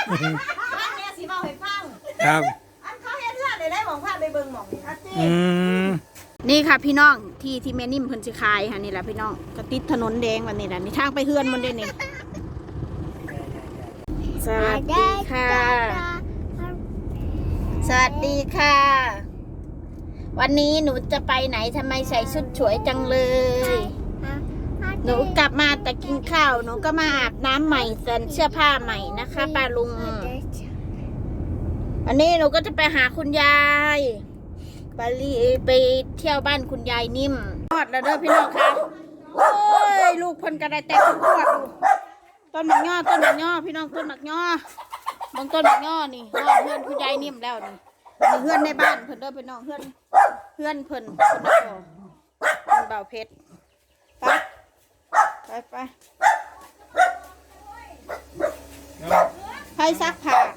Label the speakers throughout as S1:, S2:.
S1: อันเนี้ยสิเมาให้ฟัง
S2: ครับ
S1: อันเขาเฮ็ดเรื่องได้หมองพาไปเบิ่งหมองนี่จริง
S2: อืม
S3: นี่ค่ะพี่น้องที่แม่นิ่มเพิ่นสิขายค่ะนี่แหละพี่น้องก็ติดถนนแดงวันนี้แหละนี่ทางไปเฮือนมันได้นี่สวัสดีค่ะสวัสดีค่ะ วันนี้หนูจะไปไหนทำไมใส่ชุดสวยจังเลย หนูกลับมาแต่กินข้าวหนูก็มาอาบน้ำใหม่ใส่เสื้อผ้าใหม่นะคะป้าลุงวันนี้หนูก็จะไปหาคุณยายไปเที่ยวบ้านคุณยายนิ่มทอดแล้วเด้อพี่น้องค่ะโอ้ยลูกเพิ่นกระไดแต่ขวดดูต้นหมักย่อพี่น้องต้นหมักย่อบางต้นหมักย่อนี่ฮอดเพื่อนคุณยายนิ่มแล้วนี่เพื่อนในบ้านเพิ่นเด้อพี่น้องเพื่อนเพิ่นคนละพอเพิ่นเบาเพชรไปให้ซักผ้า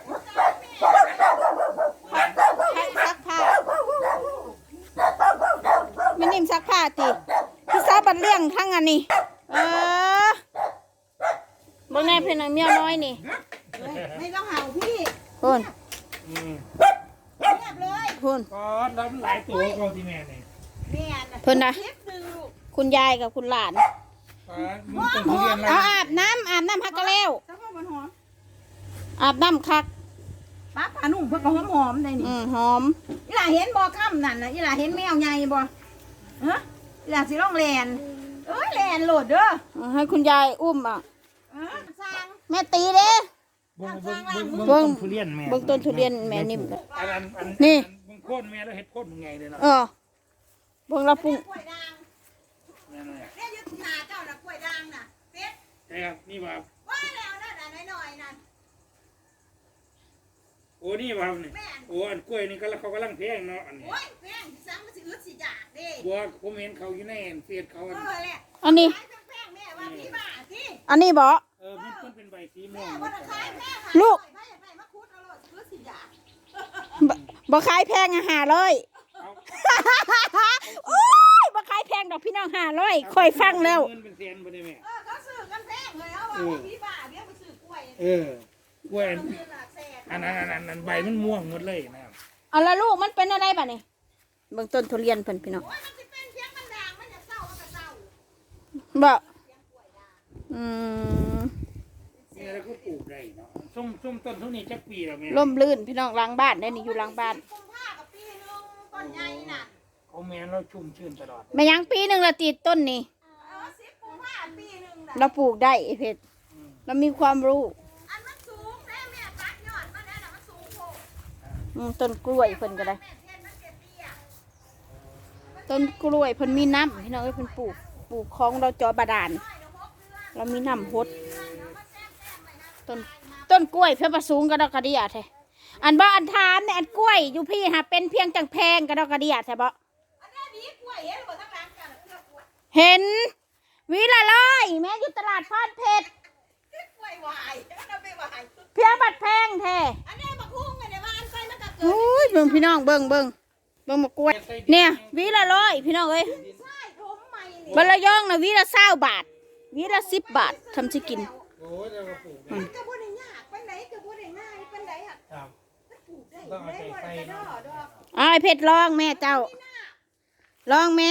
S3: ให้ซักผ้าไม่นิ่มซักผ้าติพี่สาวบัดเลี้ยงทั้งอันนี้บ่แน่เพิ่นเมียน้อยนี่
S1: ๆไม่ต้องเห่าพี่
S3: พุ่น
S1: เงียบเลย
S3: พุ่น
S2: ก็รับหลายตัวกองที่แม่เนี่ย
S1: เนี่ยนะ
S3: เพิ่นนะ
S1: คลิปหนึงลูก
S3: คุณยายกับคุณหลาน
S2: มึงเป็นทุเรียน
S3: เอา
S2: ละ
S3: อาบน้ำฮักกะแล้ว
S1: แต่ว่ามันหอม
S3: อาบน้ำคัก
S1: ป้าปลานุ่มเพิ่นก็หอมๆได้นี่
S3: หอม
S1: อีหล่าเห็นบ่ค่ำนั่นน่ะอีหล่าเห็นแมวใหญ่บ่ฮะอีหล่าสิร้องแลนเอ้ยแลนโหลดเด้อ
S3: ให้คุณยายอุ้มอ่ะ
S1: สร้าง
S3: แม่ตีเด้
S2: เบิ้งทุเรียนแม่
S3: เบิ่งต้นทุเรียนแม่นิ่ม
S2: อัน
S3: นี่
S2: มึงโค่นแม่แล้วเห็ดโค่นมึงไงเลยเนาะ
S3: เบิ่งละปุ้ง
S1: กล้วยด่าง
S2: นั่นแหละ
S1: เนี่ยอยู่หน้าเจ้าน่ะกล้วยด่างน่ะเป็ด
S2: ใช่ครับนี่ว่า
S1: ว่าแล้วนั่นน่ะน้อยๆนั่น
S2: โอ้นี่ว่าเนี่ยโอ้อันกล้วยนี่ก็เขากำลังแพงเนาะอันนี้
S1: โอ้ยแพงสิซ้ำมันสิอึดสิอยากเด้
S2: บัวผมเห็นเขาอยู่ในเฟซเขา
S1: เออแหละ
S3: อันนี้
S1: ขายแพงๆแม่ว่าพี่บ้าสิ
S3: อันนี้บ่
S2: มันเป็นใบสีม่ว
S1: แม่
S2: ง
S1: บ่ได้ขายแม่
S3: ลูก
S1: ขายไปมาคุดเอาโลดอึดสิอยาก
S3: บ่ขายแพง500
S2: เอา
S3: โอ้ยบ่ขายแพงดอกพี่น้อง500ค่อยฟังแล้ว
S2: เงินเป็นแสนบ่ได้แม่
S1: เขาซื้อกันแพงเลยเอาว่าพี่บ้าเดี๋ยวไปซื้อกล้วย
S2: กล้วย
S1: ซื้อหลักแสน
S2: อันนั้นใบมันม่วงหมดเลยนะครับ
S3: เอาละลูกมันเป็นอะไรบัดนี้เบิ่งต้นทุเรียนเพิ่นพี่น้อง
S1: โอ้ยมันสิเป็นเพียงมันด่างมันจะเศร้ามันก็เศร้า
S3: บ่อืม
S2: นี่แล้วก็ปลูกได้เนาะส้มต้นเท่านี้จักปีแล้วแม่
S3: ร่มรื่นพี่น้องหล้างบ้านได้นี่อยู่หล้างบ้าน
S1: กุมภากับปีนึงต้นใหญ่น่ะ
S2: เขาแม่เราชุ่มชื่นตลอด
S3: แม่ยังปีหนึงละติดต้นนี่
S1: 10กุมภาปีนึงน่ะ
S3: เราปลูกได้ไอ้เพชรเรามีความรู้
S1: อันมันสูงแม่ตัดยอดมันนั่นน่ะมันสูงโพ
S3: ต้นกล้วยเพิ่นก็ได้
S1: แม่เทียนมันเตี้ย
S3: ต้นกล้วยเพิ่นมีน้ำพี่น้องเอ้ยเพิ่นปลูกของเราจอบาดาลเรามีน้ำฮดต้นกล้วยเพิ่นประสูงกระดอกกระเดียแท้อันบ่อันถามเนี่ยอันกล้วยอยู่พี่หาเป็นเพียงจังแพงกระดอกกระเดียแท้บ่
S1: อันนี้มีกล้วยเห็นบ่ทั้งร้านกันเลือกกล้วย
S3: เห็นวิละร้อยแม่อยู่ตลาดพานเพชร
S1: กล้วยวายมันเอาไปวาย
S3: เพียงบัดแพงแท้
S1: อันนี้บักฮุ้งอันนี้ว่าอันใส่มันก็เกิด
S3: โอ้ยเบิ่งพี่น้องเบิ่งมากล้วยเนี่ยวิละร้อยพี่น้องเอ้ย
S1: ใช่ถมใหม่นี่
S3: บะละย่องนะวิละ20 บาทวิละ10 บาททำสิกิน
S2: โอ้ยเราก็ปลูกได้
S1: ก็บ่ได้ยากปานไหนก็บ่ได้ง่ายปานไหนอ่ะ
S2: ครับ
S1: มันปลูกได้ได้บ่ได้กระดอดอก
S3: เอาไอ้เพชรลองแม่เจ้าลองแม่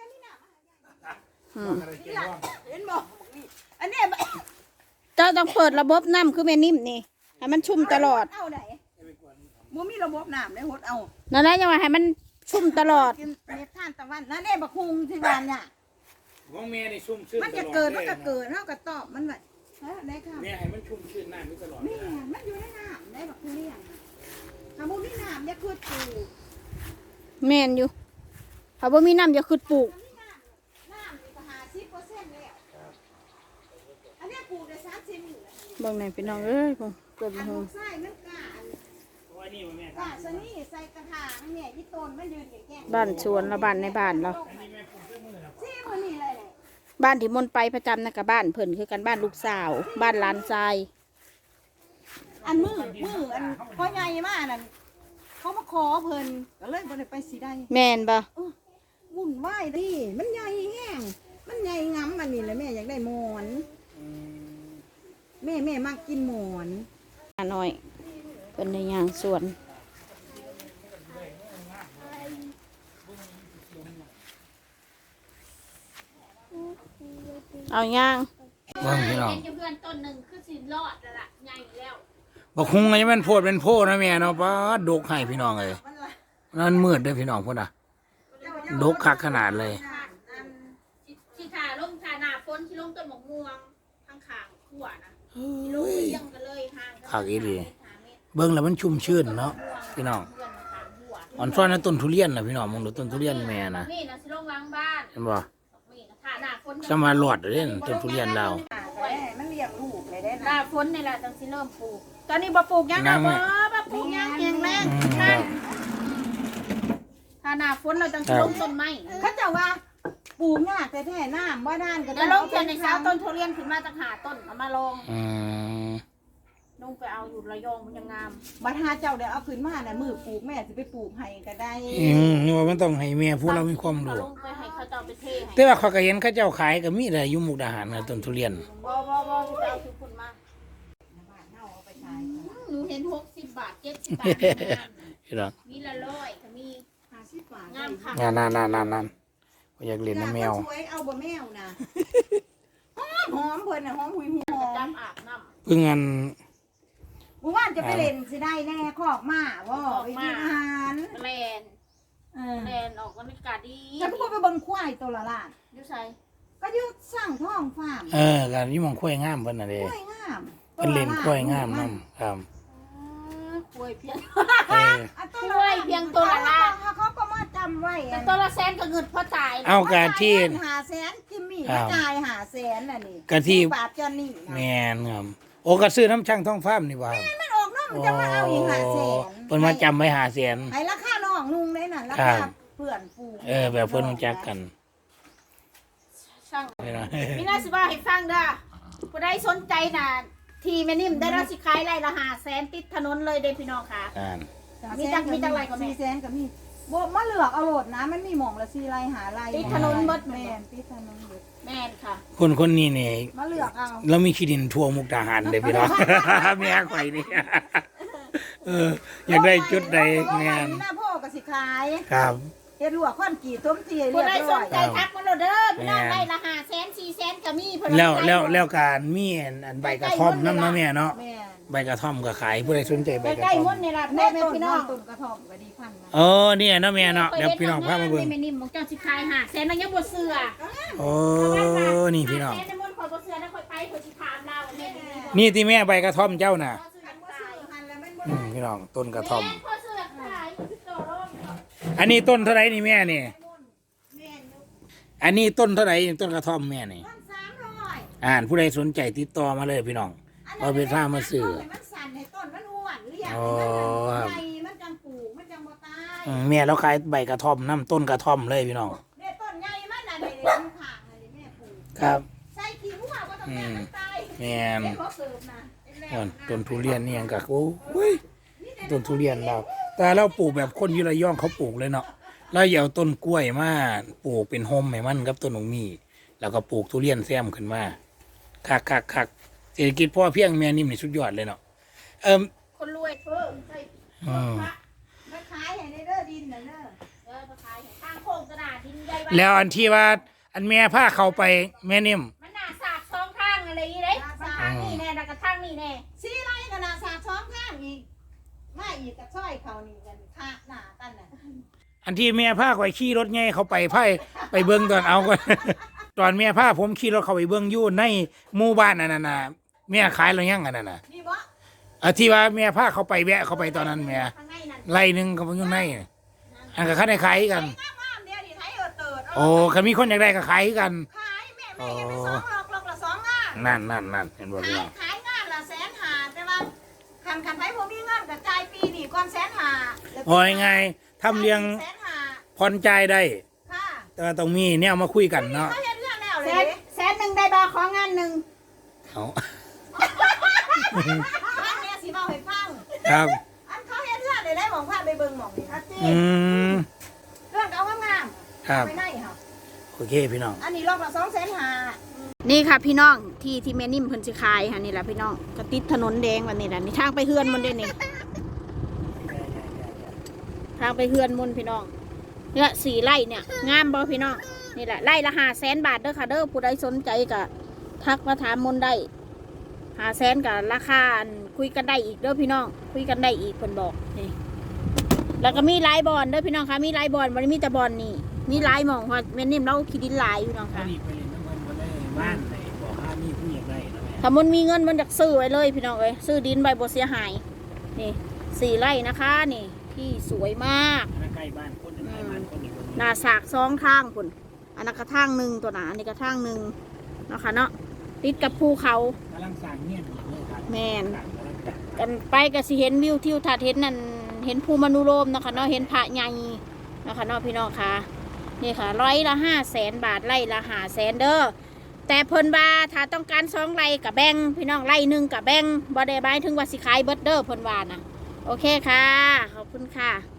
S2: อะไรเกี่ยวว่า
S1: เห็นบ่อันนี้
S3: เจ้าต้องเปิดระบบน้ำคือแม่นิ่มนี่ให้มันชุ่มตลอด
S1: เอาไหนบ่มีระบบน้ำได้หดเอา
S3: นั่นแหละยังว่าให้มันชุ่มตลอด
S1: กินเม็ดทานตะวันนั่นแน่บักฮุ้งที่บ้านเนี่ย
S2: ของแม่นี่ชุ่มชื่น
S1: มัน
S2: ต
S1: จะ
S2: ลอด
S1: เกิดมันก็เกิดเฮาก็ตอบมันไว้ฮะได้ค่ะ
S2: แม่ให้มันชุ่มชื่นน้ำนี่ตลอด
S1: แม่มันอยู่ในน้ำได้บักทุเรียนถ้าบ่มีน้ำอย่าคือปลูก
S3: แม่นอยู่ถ้าบ่มีน้ำอย่าขึ้นปลูก
S1: น้ำนี่ก็50%แล้วอันนี้ปลูกได้30อยู่แล้ว
S3: เบิ่งไหนพี่น้องเอ้ยผมเกิด
S1: อัน
S3: หู
S1: ลูกไส้มันกา
S2: เพราะว่านี่มันแม่
S1: กาซะนี่ใส่กระถางเนี่ยอีต้นมันยืนแก่ๆ
S3: บ้านสวนละบ้านในบ้านเรา
S1: ซี่มื้อนี้เลยแหละ
S3: บ้านที่มนต์ไปประจำนะกับบ้านเพิ่นคือกันบ้านลูกสาว บ้านหลานชาย
S1: อันมืออันพ่อใหญ่มานั่นเขามาขอเพิ่นก็เลยบ่ได้ไปสิได้
S3: แม่นบ่
S1: วุ่นวายดิมันใหญ่แห้งมันใหญ่งำอันนี้แหละแม่อยากได้หมอนแม่มักกินหมอน
S3: หน่อยเป็นในยางสวนเอาย่าง
S2: เบิ่งพี่น้อง
S3: เพื่อนต้นหนึ่งคือสิรอดแล้วล่ะใหญ่แล้ว
S2: บ่คุงไงมันโพดเป็นโพนะแม่เนาะป้าดกให้พี่น้องเลยนั่นมืดเด้อพี่น้องพุ่นน่ะดกคักขนาดเลย
S3: ที่ขาลงขาหน้าฝนที่ลงต้นหมกม่วงข้างขางขั้วนะที่ลงเลี้ยงกันเลยห่างกัน
S2: คักอีหลีเบิ่งแล้วมันชุ่มชื่นเนาะพี่น้องอ่อนซ้อนนั้นต้นทุเรียนน่ะพี่น้องมองดูต้นทุเรียนแม่น่ะ
S3: นี่นะสิลงล้างบ้าน
S2: เห็นบ่
S3: นี่นะขาหน้าฝน
S2: สมาหลอดเด้อต้นทุเรียนเรา
S1: มันเลี้ยงลูกเลยได้
S3: หน้าฝนนี่แหละจังสิเริ่มปลูกตอนนี้บ่ปลูกยังนะบ่ปลูกยังเองแรงนั่นถ้าหน้าฝนเราจังสิลงต้นไม้
S1: เขาจะว่าปลูกยากแต่แท้น้ำว่าด้านก็
S3: แล้วลงเทือนในเช้าต้นทุเรียนขึ้นมาจากหาต้นเอามาลง ลงไปเอาอยู่ระยองมันยังงาม
S1: บัดหาเจ้าเดี๋ยวเอาขึ้นมาน่ะมือปลูกแม่สิไปปลูกให้ก็ได้
S2: นี่ว่ามันต้องให้แม่ผู้เรามีความรู้
S3: ลงไปให้เขาเจ้าไปเทให้
S2: แต่ว่าเขาก็เห็นเขาเจ้าขายก็มีแต่อยู่มุกดาหารนะต้นทุเรียน
S3: บ่ที่จะเอาทุกคนมาหนูเห็น60 บาท70 บาท
S2: พี่น้อง
S3: มีละ100ก็มี50 บาทงามค่ะ
S2: นั่นอยากเล่นน้ำแมว
S1: สวยเอาบ่แมวนะหอมเพิ่นน่ะหอมหุยหอ
S3: จั
S1: ม
S3: บอาบน้ำ
S2: เพิ่งอัน
S1: เมื่อวานจะไปเล่นสิได้แน่คอกมาบ่ไปกินอาหาร
S3: แลน
S1: เออ
S3: แลนออกบรรยากาศดี
S1: จะพูดไปเบิ่งควายตัวละล้าน
S3: อยู่ไส
S1: ก็อยู่สร้างท้องฟาร์ม
S2: การยี่มองข้วยงามเพิ่นน่ะเด้
S1: ควายงาม
S2: เพิ่นเล่นข้วยงามนํครับ
S3: กล้วยเพียง
S2: เออ
S1: ควายเพียงตัวละล้านเขาก็มาจำไว้
S3: แต่ตัวละแสนก็เงินพอตาย
S2: เอากะที่
S1: 500,000จิมมี่กระจาย500,000น่ะนี่
S2: กะที่
S1: บาทจอนนี่นะ
S2: แม่นครับโอ้ก็ซื้อน้ำช่างท้องฟ้ามนี่ว่า
S1: มันออกน้องมันจะมาเอาอีก500,000
S2: เพิ่นมาจำไว้500,000
S1: ให้ราคาน้องนุ่งได้น่ะรา
S2: ครั
S1: คา
S2: บ
S1: เพื่อนฝูง
S2: แบบเพิ่นรู้จักกัน
S3: ช่าง
S2: นี่นะ
S3: มีน่าสิว่าให้ฟังเด้อผู้ใดสนใจน่ะทีแม่นิ่มได้รับสิขายไร่ละ500,000ติดถนนเลยเด้พี่น้องค่ะ มีจังไรก็แม่
S1: 400,000ก็มีบ่มาเลือกเอาโหลดนะมันมีหม่องละ4ไร่หาไร่
S3: ติดถนนเบิด
S1: แม่นติดถนนเบิด
S3: แม่นค่ะ
S2: คนนี้นี่
S1: มาเลือกเอา
S2: เรามีที่ดินทั่วมุกดาหารเลยพี่น้อง แม่ข่อยนี่อยากได้จุดใดแม่น
S1: หน้าพ่อก็สิขาย
S2: ครับ
S1: เฮ็ดลวกข้อนกี่ต้มเตีย
S3: ผู้
S1: เรียบ
S3: ใดส
S1: ร้อน ย
S3: ใจทักมาโลดเด้อพี่น้องไร่ละ500,000 400,000ก็มีเพิ่น
S2: แล้วการมีอันใบกระท่อมน้ำเนาะแม่เนาะ
S1: แม่น
S2: ใบกระท่อมก็ขายผู้ใดสนใจใบกระ
S3: ใกล้
S2: ท่อ
S3: ๆ
S2: ม
S3: มุ่นนี่ล่ะ
S1: แม่
S3: แม่
S1: ต้น
S3: พี่
S1: น้
S3: น้
S1: อ
S3: อง ง
S1: ต้นกระท่อมก็ดีพันนะ
S2: เนี่ยเนาะแม่เนาะเดี๋ยวพี่น้องพามาเบิ่ง
S3: แม่นิ่มบอกเจ้าสิขาย500,000แล้วยังบ่เชื่อ
S2: โอ้นี่พี่น้อง
S3: 500,000ในมุ่นข่อยบ่เชื่อแล้วข่อยไปข่อยสิถามเราแม่นิ่ม
S2: นี่ที่แม่ใบกระท่อมเจ้าน่ะ
S1: อันบ่ซื้อหันแล้วมันบ่
S2: พี่น้องต้นกระท่อม
S3: แม่ข่อยเชื่อขายต่อรอง
S2: อันนี้ต้นเท่าไหร่นี่แม่นี่
S1: แม่นอยู่
S2: อันนี้ต้นเท่าไหร่ต้นกระท่อมแม่นี่
S1: 300
S2: ผู้ใดสนใจติดต่อมาเลยพี่น้องเอาไปพามาซื้อ
S1: มันสั่นให้ต้นมันอ้วนเรียก
S2: อ๋อครับ
S1: ใหญ่มันจังปลูกมันจังบ่ตาย
S2: แม่เราขายใบกระท่อมน้ำต้นกระท่อมเลยพี่น้อง
S1: เนี่ยต้นใหญ่มันน่ะเดี๋ยวมันข้างน่ะเดี๋ยวแม่ปลูก
S2: ครับ
S1: ใส่ขี้หัวก็ต้องแม่มันตาย
S2: แม่น
S1: เดี๋ยวเขาเสิร์ฟนะ
S2: ต้นทุเรียนนี่ยังกะโอ้ยต้นทุเรียนเราแต่เราปลูกแบบคนอยุระย่องเขาปลูกเลยเนาะเราอย่าเอาต้นกล้วยมาปลูกเป็นโฮมให้มันกับต้นหนงมีแล้วก็ปลูกทุเรียนแซมขึ้นมาคักเศรษฐกิจพ่อเพียงแม่นิ่มนี่สุดยอดเลยเนาะ
S3: คนรวยเพิ่มใช่
S1: มาขายให้ในเด้อดินน่ะเด้อ
S3: มาขายตั้งโค้งกระดาษดินใหญ่
S2: แล้วอันที่ว่าอันแม่ผ้าเขาไปแม่นิ่ม
S3: มันหนาสากสองข้างอะไรอย่างนี้เลยทางนี่แน่แล้วก็ทางนี่แน่
S1: สีไรกันนะสากซ้อมข้างอีกมาอีกกับซ้อยเขานี่กันค่าหน้ากันน่ะ
S2: อันที่แม่ผ้าข่อยขี่รถไงเขาไปไปเบิ้งตอนเอาก่อน ตอนแม่ผ้าผมขี่รถเขาไปเบิ้งอยู่ในหมู่บ้านนั่นน่ะแม่ขายอะไรยังอันนั้นน่ะ
S1: นี่บ่
S2: ที่ว่าแม่ผ้าเขาไปแวะเขาไปตอนนั้นแม่
S3: ทางในนั่น
S2: ไล่หนึ่งเขาไปอยู่ในอันกับเขาได้ขายกัน
S1: งามๆเดี๋ยวดิไทยเติร์ด
S2: โอ้คันมีคนอยากได้ก็ขายกัน
S1: ขายแม่เห็นไป2ลอกละ2งาน
S2: นั่นเห็นบ่พี่น้อง
S1: ขายงานละ150,000แต่ว่าคันไปบ่มีเงินก็จ่ายปีนี่ก่อน150,000
S2: โอ้ยไงทำเลี้ยง
S1: 150,000
S2: ผ่อนจ่ายได้
S1: ค่ะ
S2: แต่ว่าต้องมีเนี่ยมาคุยกันเนาะ
S1: เขาเฮ็ดเรื่องแล้วเล
S3: แส
S1: ย
S3: นหนึ่งได้บาของงานหนึ่ง
S2: เขา
S1: บ้านแม่สิเว้าให้ฟัง
S2: ครับ
S1: อันเขาเฮ็ดเรื่องได้หม่องพาไปเบิ่งหม่องนี่อาจี
S2: ม
S1: เรื่องเอางาม
S2: ครับ
S1: ๆไปไหนค่ะ
S2: โอเคพี่น้อง
S1: อันนี้รอบละ250,000
S3: นี่ค่ะพี่น้องที่แม่นิ่มเพิ่นสิขายค่ะนี่แหละพี่น้องก็ติดถนนแดงวันนี้แหละนี่ทางไปเฮือนมันได้นี่ทางไปเฮือนมันพี่น้องเนี่ย4 ไร่เนี่ยงามบ่พี่น้องนี่แหละไร่ละ500,000 บาทเด้อค่ะเด้อผู้ใดสนใจก็ทักมาถามมนได้500,000กับราคาคุยกันได้อีกเด้อพี่น้องคุยกันได้อีกเพิ่นบอกนี่แล้วก็มีหลายบอนเด้อพี่น้องค่ะมีหลายบอนบ่ได้มีแต่บอนนี่มีหลายหม่องเพราะแม่นิ่มเราขี้ดินหลายพี่น้อง
S2: ถ้า
S3: ค่ะ
S2: ดีไปเล่นน้ำมันมาได้บ้านไหนบอกว่ามีผู้อยากได้นะแม่
S3: ถ้ามันมีเงินมันจะซื้อไว้เลยพี่น้องเอ้ยซื้อดินใบบ่เสียหายนี่4 ไร่นะคะนี่ที่สวยมาก
S2: ถ้าใกล้บ้านคนหนึ่งใกล้บ้านคนหนึ่ง
S3: หน้าสาก2 ทางพุ่นอันนั้นกระทางหนึ่งตัวหนาอันนี้กระทางหนึ่งเนาะค่ะเนาะติดกับภูเขา
S2: กำลังสร้างเงี้ยนเลยครับ
S3: แม่น
S2: กำลังจัด
S3: กันไปก็สิเห็นวิวทิวทัศน์เห็นนั่นเห็นภูมนุโลมเนาะค่ะเนาะเห็นพระใหญ่เนาะค่ะเนาะพี่น้องค่ะนี่ค่ะไร่ละ500,000 บาทไร่ละ500,000เด้อแต่เพิ่นว่าถ้าต้องการ2 ไร่กับแบ่งพี่น้องไร่หนึ่งกับแบ่งบ่ได้หมายถึงว่าสิขายเบิดเด้อเพิ่นว่านะโอเคค่ะขอบคุณค่ะ